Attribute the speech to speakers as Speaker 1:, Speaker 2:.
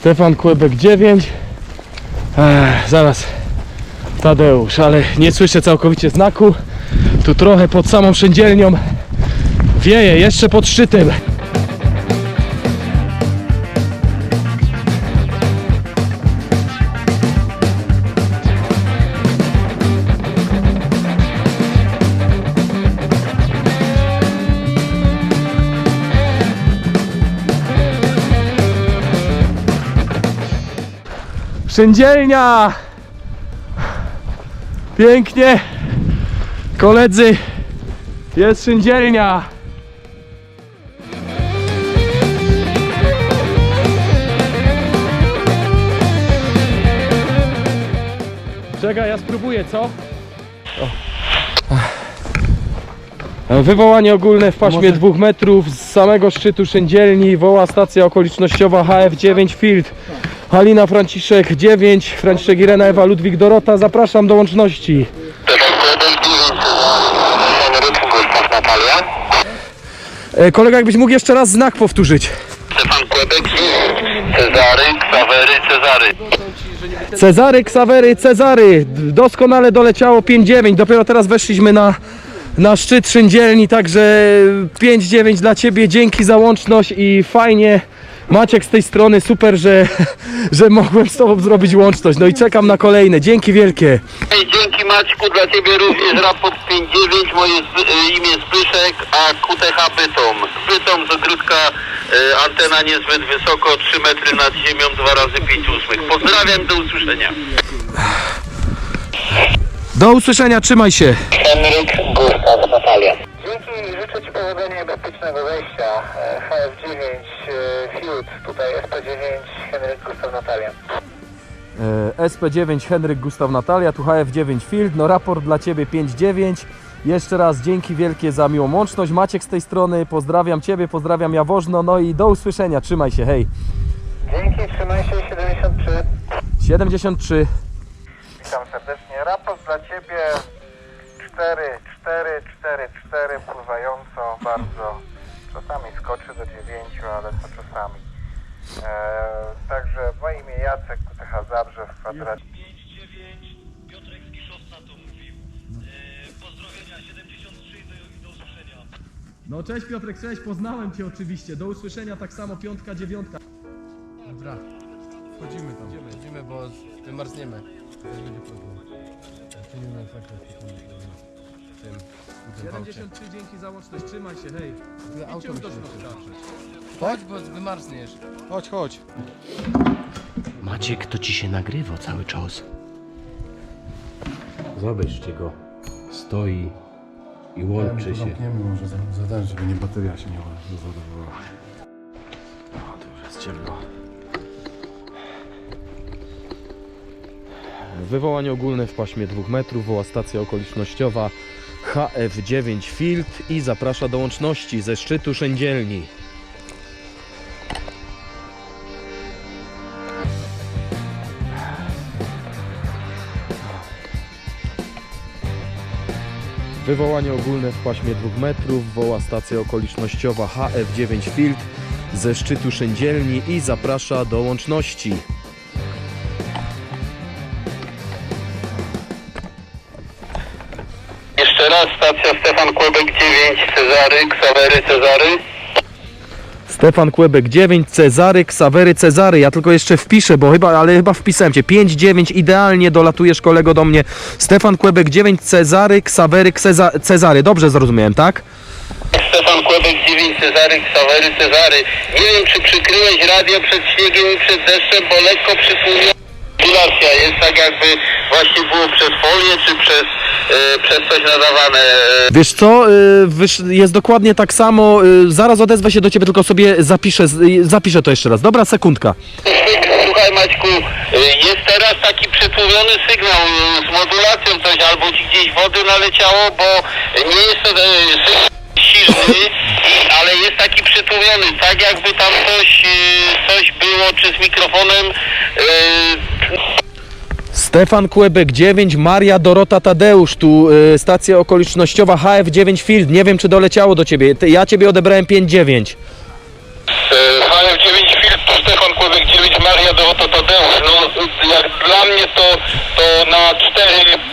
Speaker 1: Stefan Kłebek 9. Zaraz Tadeusz, ale nie słyszę całkowicie znaku. Tu trochę pod samą szyndzielnią wieje, jeszcze pod szczytem. Szyndzielnia! Pięknie! Koledzy, jest szyndzielnia! Czekaj, ja spróbuję, co? Wywołanie ogólne w paśmie 2 metrów z samego szczytu szyndzielni. Woła stacja okolicznościowa HF9 Field. Halina Franciszek 9, Franciszek Irena Ewa Ludwik Dorota. Zapraszam do łączności. Kolega, jakbyś mógł jeszcze raz znak powtórzyć.
Speaker 2: Stefan Kłebek, Cezary, Ksawery, Cezary.
Speaker 1: Cezary, Ksawery, Cezary. Doskonale doleciało 5-9. Dopiero teraz weszliśmy na szczyt szyndzielni, także 5-9 dla Ciebie. Dzięki za łączność i fajnie. Maciek z tej strony, super, że mogłem z Tobą zrobić łączność. No i czekam na kolejne. Dzięki wielkie.
Speaker 2: Dzięki Maćku, dla Ciebie również raport 5-9, moje imię Zbyszek, a QTH Bytom. Bytom z ogródka, antena niezbyt wysoko, 3 metry nad ziemią, 2 razy 5/8. Pozdrawiam, do usłyszenia.
Speaker 1: Do usłyszenia, trzymaj się.
Speaker 2: Henryk, Gustaw, Natalia.
Speaker 3: Dzięki, życzę Ci powodzenia i bezpiecznego wejścia. HF9 Field, tutaj SP9 Henryk, Gustaw, Natalia.
Speaker 1: SP9 Henryk Gustaw Natalia, tu HF9 Field, no raport dla Ciebie 5-9. Jeszcze raz dzięki wielkie za miłą łączność. Maciek z tej strony, pozdrawiam Ciebie, pozdrawiam Jaworzno, no i do usłyszenia, trzymaj się, hej.
Speaker 3: Dzięki, trzymaj się, 73.
Speaker 1: 73.
Speaker 3: Witam serdecznie. Raport dla Ciebie 4, 4, 4, 4, pływająco bardzo. Czasami skoczy do 9, ale to czasami. Także moje imię Jacek, QTH Zabrze w kwadracie.
Speaker 4: 5-9, Piotrek z Kiszowca to mówił. Pozdrowienia, 73 do usłyszenia.
Speaker 1: No cześć Piotrek, cześć, poznałem Cię oczywiście, do usłyszenia tak samo, 5, 9.
Speaker 5: Dobra, wchodzimy tam. Wchodzimy, bo wymarzniemy. To też będzie problem. Wchodzimy na zakres w tym
Speaker 1: 73, dzięki za łączność, trzymaj się, hej.
Speaker 5: aucie.
Speaker 1: Idźcie już do środka.
Speaker 5: Chodź, bo wymarzniesz. Chodź, chodź.
Speaker 6: Maciek, to ci się nagrywa cały czas. Zobaczcie go. Stoi i łączy się.
Speaker 5: Zamkniemy może zadać, żeby nie bateria się nie rozładowała.
Speaker 6: O, to już jest ciemno.
Speaker 1: Wywołanie ogólne w paśmie 2 metrów, woła stacja okolicznościowa HF9 Field i zaprasza do łączności ze szczytu szyndzielni. Wywołanie ogólne w paśmie 2 metrów, woła stacja okolicznościowa HF9 Field ze szczytu szyndzielni i zaprasza do łączności.
Speaker 2: Jeszcze raz, stacja Stefan Kłebek 9, Cezary, Ksawery, Cezary.
Speaker 1: Stefan Kłebek 9, Cezary, Ksawery, Cezary. Ja tylko jeszcze wpiszę, bo chyba wpisałem Cię. 5-9, idealnie dolatujesz kolego do mnie. Stefan Kłebek 9, Cezary, Ksawery, Cezary. Dobrze zrozumiałem, tak?
Speaker 2: Stefan Kłebek 9, Cezary, Ksawery, Cezary. Nie wiem, czy przykryłeś radio przed śniegiem i przed deszczem, bo lekko przytłumiona modulacja jest tak, jakby właśnie było przez folię, czy przez coś nadawane.
Speaker 1: Wiesz co, jest dokładnie tak samo. Zaraz odezwę się do Ciebie, tylko sobie zapiszę to jeszcze raz. Dobra, sekundka.
Speaker 2: Słuchaj Maćku, jest teraz taki przytłumiony sygnał z modulacją coś, albo ci gdzieś wody naleciało, bo nie jest to sygnał silny, ale jest taki przytłumiony, tak jakby tam coś było, czy z mikrofonem.
Speaker 1: Stefan Kłebek 9, Maria Dorota Tadeusz, tu stacja okolicznościowa HF9 Field. Nie wiem, czy doleciało do Ciebie. Ja Ciebie odebrałem 5-9.
Speaker 2: HF9 Field, Stefan Kłebek 9, Maria jak dla mnie to na 4